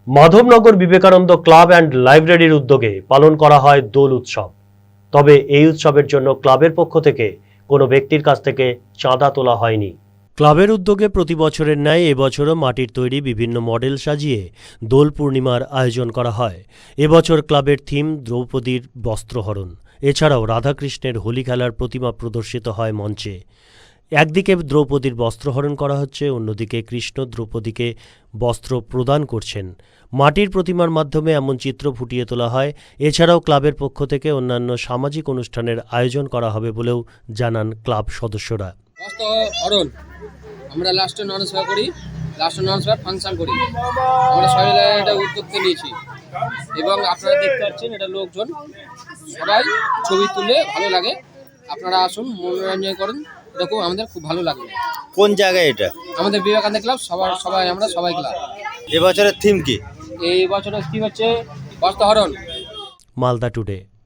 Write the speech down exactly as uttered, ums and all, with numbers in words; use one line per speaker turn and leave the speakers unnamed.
Madhabnagar Vivekananda club and লাইব্রেরির উদ্যোগে পালন করা হয় দোল উৎসব। তবে এই উৎসবের জন্য ক্লাবের পক্ষ থেকে কোনো ব্যক্তির কাছ থেকে চাঁদা তোলা হয়নি। ক্লাবের উদ্যোগে প্রতি বছরের ন্যায় এবছরও মাটির তৈরি বিভিন্ন মডেল সাজিয়ে দোল পূর্ণিমার আয়োজন করা হয়। এবছর ক্লাবের থিম দ্রৌপদীর বস্ত্রহরণ। এছাড়াও রাধাকৃষ্ণের হোলি খেলার প্রতিমা প্রদর্শিত হয় মঞ্চে। একদিকে দ্রৌপদীর বস্ত্রহরণ করা হচ্ছে, অন্যদিকে কৃষ্ণ দ্রৌপদীকে বস্ত্র প্রদান করছেন। মাটির প্রতিমার মাধ্যমে এমন চিত্র ফুটিয়ে তোলা হয়। এছাড়াও ক্লাবের পক্ষ থেকে অন্যান্য সামাজিক অনুষ্ঠানের আয়োজন করা হবে বলেও জানান ক্লাব সদস্যরা।
বস্ত্রহরণ আমরা লাস্টে ননসভা করি, লাস্টে ননসভা ফাংশন করি। আমরা সবাই এটা উদ্যোগকে নিয়েছি এবং আপনারা দেখতে পাচ্ছেন এটা লোকজন সবাই ছবি তুলে ভালো লাগে। আপনারা আসুন, মনোরঞ্জন করুন, এরকম আমাদের খুব ভালো লাগবে।
কোন জায়গায় এটা?
আমাদের বিবেকানন্দ ক্লাব, সবার সবাই আমরা সবাই ক্লাব।
এবছরের থিম কি?
এই বছরের থিম হচ্ছে বস্ত্রহরণ।
মালদা টুডে।